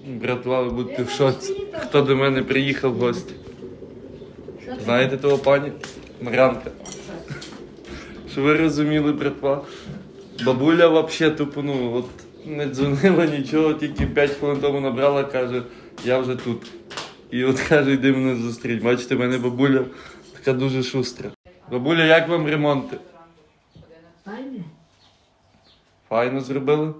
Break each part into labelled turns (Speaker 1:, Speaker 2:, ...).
Speaker 1: Братва, ви будете в шоці. Хто до мене приїхав в гості? Знаєте того пані? Мар'янка. Щоб ви розуміли, братва. Бабуля взагалі тупо, от не дзвонила нічого, тільки 5 хвилин тому набрала, каже, я вже тут. І от каже, йди мене зустріть. Бачите, в мене бабуля така дуже шустра. Бабуля, як вам ремонти?
Speaker 2: Файне.
Speaker 1: Файно зробили?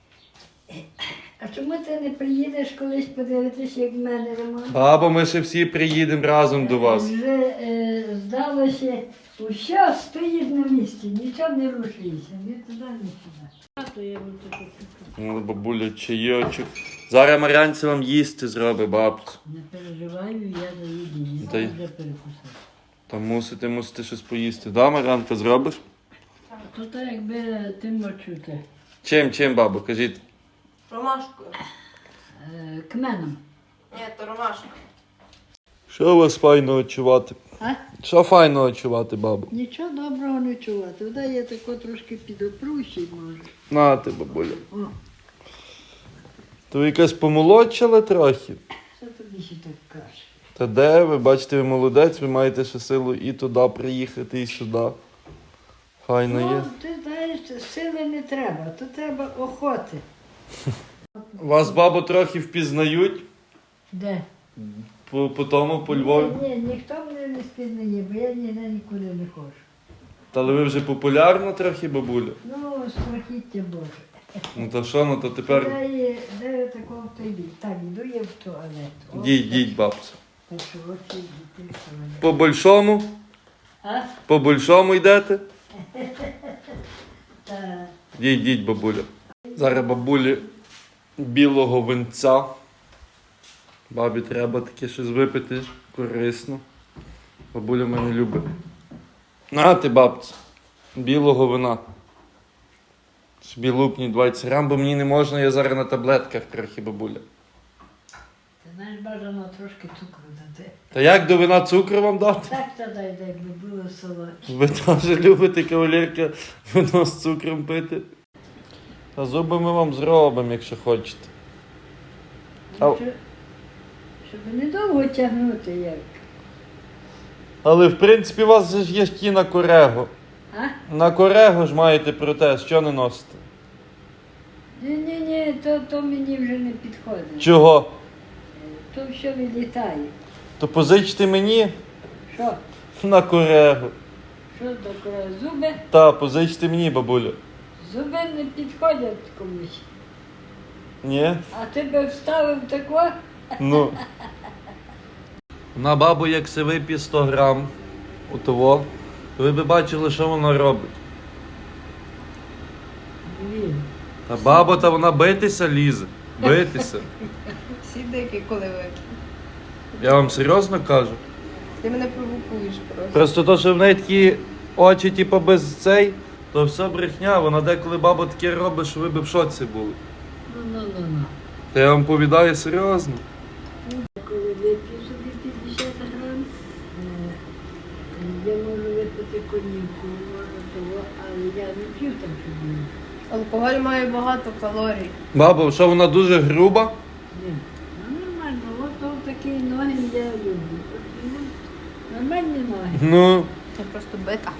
Speaker 2: А чому ти не приїдеш колись подивитися, як в мене ремонт?
Speaker 1: Баба, ми ще всі приїдемо разом до вас.
Speaker 2: Вже здалося, усе стоїть на місці, нічого не рушується, ні туди, ні сюди.
Speaker 1: Ну, бабуля, чайочок. Зараз Мар'янці вам їсти зробить, бабцю.
Speaker 2: Не переживаю, я заїду,
Speaker 1: Та й-
Speaker 2: я вже перекусив.
Speaker 1: Та мусите щось поїсти. Да, Мар'янка, зробиш?
Speaker 2: То так, якби ти мочути.
Speaker 1: Чим, бабу, кажіть?
Speaker 3: Ромашкою.
Speaker 2: Кменом.
Speaker 3: Ні, то ромашка.
Speaker 1: Що у вас файно очувати?
Speaker 2: А?
Speaker 1: Що файно очувати, бабу?
Speaker 2: Нічого доброго не чувати. Вода я тако трошки підопрущий, може.
Speaker 1: Нате, бабуля.
Speaker 2: О,
Speaker 1: То ви якась помолодшали трохи?
Speaker 2: що тобі ще так каже?
Speaker 1: Та де ви? Бачите, ви молодець, ви маєте ще силу і туди приїхати, і сюди. Файно є.
Speaker 2: Ну, ти знаєш, сили не треба, то треба охоти.
Speaker 1: Вас, бабу, трохи впізнають
Speaker 2: Де?
Speaker 1: по тому, по Львові.
Speaker 2: Ні, ніхто мене не спізнає, бо я ніде нікуди не ходжу.
Speaker 1: Та але ви вже популярна трохи, бабуля?
Speaker 2: Ну, страхіття Боже.
Speaker 1: Ну то що, ну то тепер...
Speaker 2: Де такого в той бік? Так, йду я в туалет. О,
Speaker 1: Йдіть, бабцю.
Speaker 2: так що очі йдіть в туалет.
Speaker 1: По-большому?
Speaker 2: А?
Speaker 1: По-большому йдете?
Speaker 2: Та,
Speaker 1: Йдіть, бабуля. Зараз бабулі білого винця. Бабі треба таке щось випити, корисно. Бабуля мене любить. На ти, бабця, білого вина. Собі лупні 20 грам, бо мені не можна, я зараз на таблетках трохи, бабуля.
Speaker 2: ти знаєш, бажано трошки цукру дати.
Speaker 1: Та як до вина цукру вам дати?
Speaker 2: Так та дай, якби було солодке.
Speaker 1: Ви теж любите, кавалерка, вино з цукром пити? Та зуби ми вам зробимо, якщо хочете. Ау.
Speaker 2: Щоб недовго тягнути як.
Speaker 1: Але в принципі у вас же ж є ті на корего.
Speaker 2: А?
Speaker 1: На корего ж маєте протез, що не носите?
Speaker 2: Ні, то мені вже не підходить.
Speaker 1: Чого?
Speaker 2: То все відлітає.
Speaker 1: То позичте мені
Speaker 2: Що?
Speaker 1: на корего.
Speaker 2: Що таке? Зуби?
Speaker 1: Та, позичте мені, бабуля.
Speaker 2: Зуби не підходять комусь.
Speaker 1: Ні?
Speaker 2: А ти би вставив тако?
Speaker 1: Ну. На бабу, як се вип'є 100 грам у того, то ви б бачили, що вона робить.
Speaker 2: Ні.
Speaker 1: Та баба, та вона битися лізе. Битися.
Speaker 3: Всі дикі, коли ви.
Speaker 1: Я вам серйозно кажу.
Speaker 3: Ти мене провокуєш просто.
Speaker 1: Просто то, що в неї такі очі, типу, без цей, то все брехня. Вона деколи баба таке робить, що ви б в шоці були.
Speaker 2: Ну.
Speaker 1: Та я вам повідаю серйозно.
Speaker 2: Коли вип'ю собі 50 грам, я можу випити коньяку, можу того, але я не п'ю так собі.
Speaker 3: Алкоголь має багато калорій.
Speaker 1: Баба, що вона дуже груба?
Speaker 2: Ні. Ну нормально, от такі ноги я люблю. Ну, нормальні ноги.
Speaker 1: Ну,
Speaker 3: Це просто бита.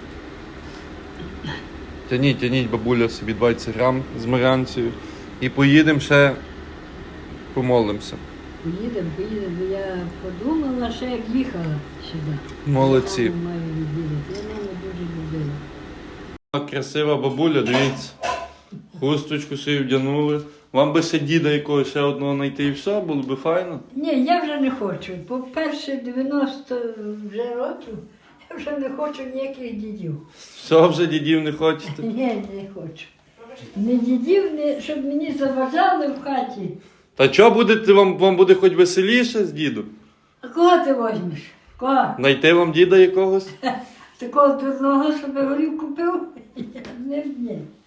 Speaker 1: тяніть, бабуля, собі 20 грам з Мар'янцею. І поїдемо ще помолимося.
Speaker 2: Поїдемо, бо я подумала, ще як їхала сюди.
Speaker 1: Молодці.
Speaker 2: Я маму маю відвідати. Я маму дуже любила.
Speaker 1: Красива бабуля, дивіться. Хусточку собі вдягнули. Вам би ще діда якогось ще одного знайти і все, було би файно.
Speaker 2: Ні, я вже не хочу. По-перше, 90 вже років, я вже не хочу ніяких дідів.
Speaker 1: Все, вже дідів не хочете.
Speaker 2: Ні, не хочу. Не дідів, щоб мені заважали в хаті.
Speaker 1: Та що будете, вам буде хоч веселіше з дідом?
Speaker 2: А кого ти возьмеш? Кого?
Speaker 1: Знайти вам діда якогось?
Speaker 2: Такого дурного, щоб горів купив? Ні.